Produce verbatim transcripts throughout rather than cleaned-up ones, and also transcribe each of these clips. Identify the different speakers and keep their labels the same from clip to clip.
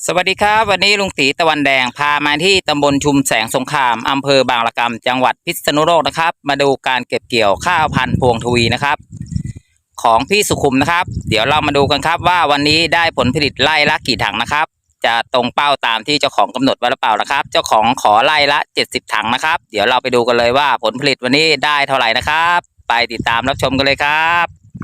Speaker 1: สวัสดีครับวันนี้ลุงตีตะวันแดงพามาที่ตำบลชุมแสงสงครามอำเภอบางละกำจังหวัดพิษณุโลกนะครับมาดูการเก็บเกี่ยวข้าวพันธุ์พวงทวีนะครับของพี่สุขุมนะครับเดี๋ยวเรามาดูกันครับว่าวันนี้ได้ผลผลิตไร่ละกี่ถังนะครับจะตรงเป้าตามที่เจ้าของกำหนดไว้หรือเปล่านะครับเจ้าของขอไร่ละเจ็ดสิบถังนะครับเดี๋ยวเราไปดูกันเลยว่าผลผลิตวันนี้ได้เท่าไหร่นะครับไปติดตามรับชมกันเลยครับ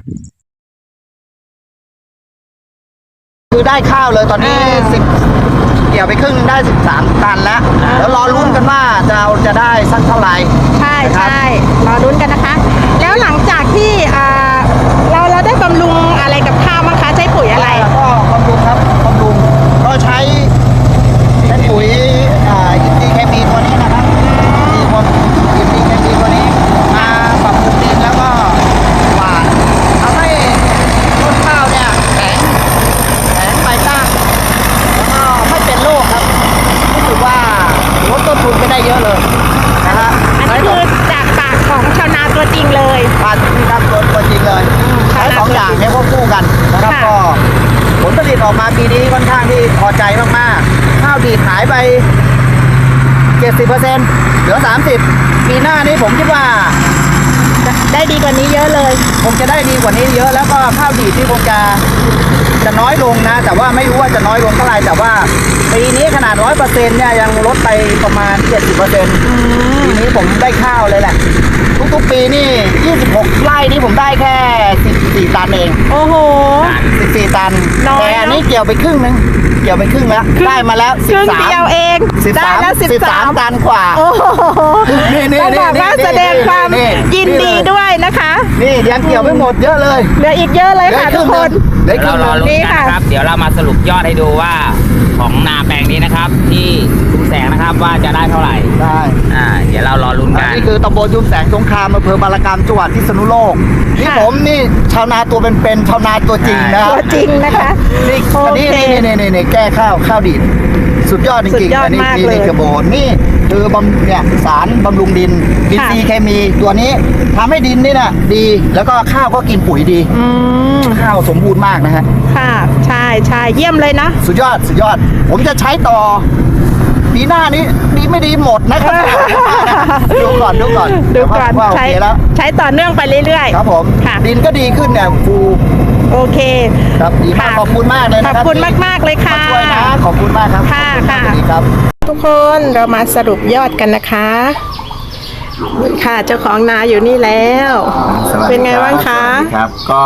Speaker 2: คือได้ข้าวเลยตอนนี้สิบเกี่ยวไปครึ่งได้สิบสามตันแล้วแล้วรอลุ้นกันว่าจะจะได้สักเท่าไหร่
Speaker 3: ใช่ใช่รอลุ้นกันนะคะ แล้วหลังจากที่เราเราได้บำรุงอะไรกับข้าวบ้างคะใช้ปุ๋ยอะไร
Speaker 2: ก็บำรุงครับบำรุงก็ใช้ใช้ปุ๋ยอินทรีย์เคมีตัวนี้นะครับมีคนอินทรีย์เคมีตัวนี้มาปรับปรุงดินแล้วก็หว่านทำให้ต้นข้าวเนี่ยแข็งแข็งใบตั้งแล้วก็ไม่เป็นโรคครับรู้สึกว่าลดต้นทุนไปได้เยอะเลยนะฮะ
Speaker 3: อันนี้คือจากปากของชาวนาตัวจริงเลย
Speaker 2: ปากที่ทำตัวตัวจริงเลยใช้สองอย่างให้ควบคู่กันนะครับก็ผลผลิตออกมาปีนี้ค่อนข้างที่พอใจมากๆข้าวดีดหายไป เจ็ดสิบเปอร์เซ็นต์ เหลือสามสิบปีหน้านี้ผมคิดว่า
Speaker 3: ได้ดีกว่านี้เยอะเลย
Speaker 2: คงจะได้ดีกว่านี้เยอะแล้วก็ข้าวดีดที่คงจะจะน้อยลงนะแต่ว่าไม่รู้ว่าจะน้อยลงเท่าไหร่แต่ว่าปีนี้ขนาดร้อยเปอร์เซ็นต์เนี่ยยังลดไปประมาณเจ็ดสิบเปอร์เซ็นต์ปีนี้ผมได้ข้าวเลยแหละทุกๆปีนี่ยี่สิบหกไร่นี่ผมได้แค่สิบสี่ตันเอง
Speaker 3: โอ้โห
Speaker 2: สิบสี่ตันแต่อันนี้เกี่ยวไปครึ่งนึงเกี่ยวไปครึ่งแล้วได้มาแล้ว
Speaker 3: สิบสามเดียวเอง
Speaker 2: ได้แล้วสิบสามตันกว่า
Speaker 3: นี่นี่นี่บอกว่าแสดงความยินดีด้วยนะคะ
Speaker 2: นี่ยังเกี่ยวไม่หมดเยอะเลย
Speaker 3: เหลืออีกเยอะเลยค่ะทุกคน
Speaker 1: เดี๋ยวเรารอลุ้นกันนะครับเดี๋ยวเรามาสรุปยอดให้ดูว่าของนาแปลงนี้นะครับที่ชุมแสงนะครับว่าจะได้เท่าไหร่
Speaker 2: ได้
Speaker 1: อ่าเดี๋ยวเรารอลุ้นกัน
Speaker 2: นี่คือตำบลชุมแสงสงครามอำเภอบางละกำจังหวัดพิษณุโลกนี่ผมนี่ชาวนาตัวเป็นๆชาวนาตัวจริงนะ
Speaker 3: ตัวจริงนะคะ
Speaker 2: นี่อันนี้นี่นี่นี่แก้ข้าวข้าวดีดสุดยอดจริงๆอันนี้นี่กระโบนนี่คือบำเนี่ยสารบำรุงดินอินทรีย์เคมีตัวนี้ทำให้ดินนี่นะดีแล้วก็ข้าวก็กินปุ๋ยดีข้าวสมบูรณ์มากนะฮะ
Speaker 3: ค่ะใช่ใช่เยี่ยมเลยนะ
Speaker 2: สุดยอดสุดยอดผมจะใช้ต่อปีหน้านี้ดีไม่ดีหมดนะครับดูก่อนดูก่อน
Speaker 3: ดูก่อนใช้แล้วใช้ต่อเนื่องไปเรื่อย
Speaker 2: ๆครับผมดินก็ดีขึ้นเนี่ยครู
Speaker 3: โอเค
Speaker 2: ครับดีมากขอบคุณมากเลย
Speaker 3: นะครับขอบคุณมากๆเลยค่ะ
Speaker 2: ช่วยนะขอบคุณมากครับ
Speaker 3: ค่ะค่ะ
Speaker 2: ดีครับ
Speaker 3: ทุกคนเรามาสรุปยอดกันนะคะค่ะเจ้าของนาอยู่นี่แล้วเป็นไงบ้างคะ
Speaker 2: ครับก็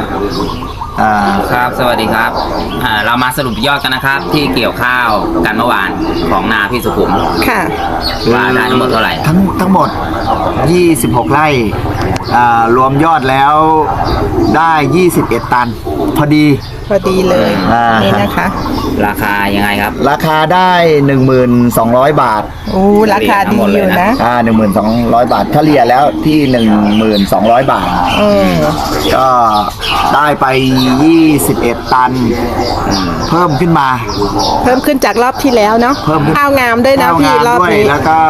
Speaker 1: ครับสวัสดีครับเรามาสรุปยอดกันนะครับที่เกี่ยวข้าวกันเมื่อวานของนาพี่สุขุม
Speaker 3: ค่ะ
Speaker 1: ว่าได้ทั้งหมดเท่าไหร่
Speaker 2: ทั้งทั้งหมดยี่สิบหกไร่รวมยอดแล้วได้ยี่สิบเอ็ดตันพอดี
Speaker 3: พอดีเลยนี่นะคะ
Speaker 1: ราคายังไงครับ
Speaker 2: ราคาได้หนึ่งหมื่นสองร้อยบาท
Speaker 3: โอ้ราคาดีอยู่นะ
Speaker 2: อ่าหนึ่งหมื่นสองร้อยบาทเฉลี่ยแล้วที่หนึ่งหมื่นสองร้อยบาทก็ได้ไปยี่สิบเอ็ดตันเพิ่มขึ้นมา
Speaker 3: เพิ่มขึ้นจากรอบที่แล้วเนาะ
Speaker 2: เพิ่ม
Speaker 3: ข้าวงามด้วยนะพี่รอบนี้
Speaker 2: แล้วก็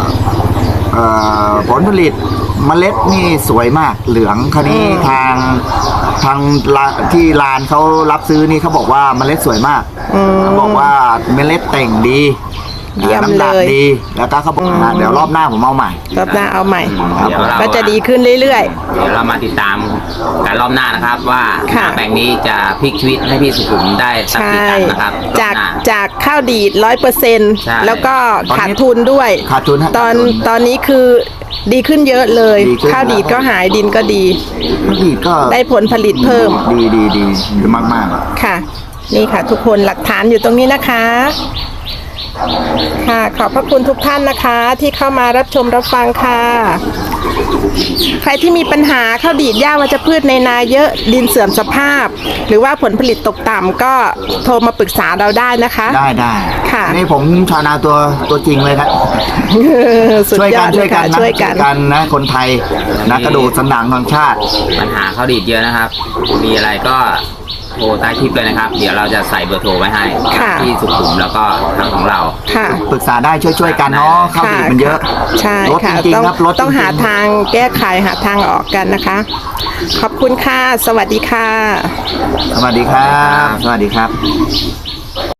Speaker 2: ผลผลิตเมล็ดนี่สวยมากเหลืองคราวนี้ทางทางที่ลานเขารับซื้อนี่เขาบอกว่าเมล็ดสวยมากเขาบอกว่าเมล็ดแต่งดีน้ำหนักดีแล้วก็เขาบอกว่าเดี๋ยวรอบหน้าผมเอาใหม่
Speaker 3: รอบหน้าเอาใหม่ก็จะดีขึ้นเรื่อย
Speaker 1: ๆเดี๋ยวเรามาติดตามการรอบหน้านะครับว่าแปลงนี้จะพลิกชีวิตให้พี่สุขุมได้สักกี่ตันนะครับ
Speaker 3: จากจากข้าวดีดร้อยเปอร์เซ็นต์แล้วก็ขาดทุนด้วย
Speaker 2: ขาดทุน
Speaker 3: ตอนตอนนี้คือดีขึ้นเยอะเลยข้าวดีดก็หายดินก็ดี
Speaker 2: ดีก็
Speaker 3: ได้ผลผลิตเพิ่ม
Speaker 2: ดีดีดีมากมาก
Speaker 3: ค่ะนี่ค่ะทุกคนหลักฐานอยู่ตรงนี้นะคะค่ะขอบพระคุณทุกท่านนะคะที่เข้ามารับชมรับฟังค่ะใครที่มีปัญหาข้าวดีดหญ้าวัชพืชในนาเยอะดินเสื่อมสภาพหรือว่าผลผลิตตกต่ำก็โทรมาปรึกษาเราได้นะคะ
Speaker 2: ได้ได้
Speaker 3: ค่ะ
Speaker 2: นี่ผมชาวนาตัวตัวจริงเลยครับช่วยกันช่วยกันช่วยกันนะคนไทยนะกระดูกสันหลังของชาติ
Speaker 1: ปัญหาข้าวดีดเยอะนะครับมีอะไรก็โทรใต้คลิปเลยนะครับเดี๋ยวเราจะใส่เบอร์โทรไว้ให้ที่สุขุมแล้วก็ทางของเรา
Speaker 2: ปรึกษาได้ช่วยๆกันเนาะข้าวดีดมันเยอะ
Speaker 3: ใช่ค่ะต้องต้องหาทางแก้ไขหาทางออกกันนะคะขอบคุณค่ะสวัสดีค่ะ
Speaker 2: สวัสดีครับสวัสดีครับ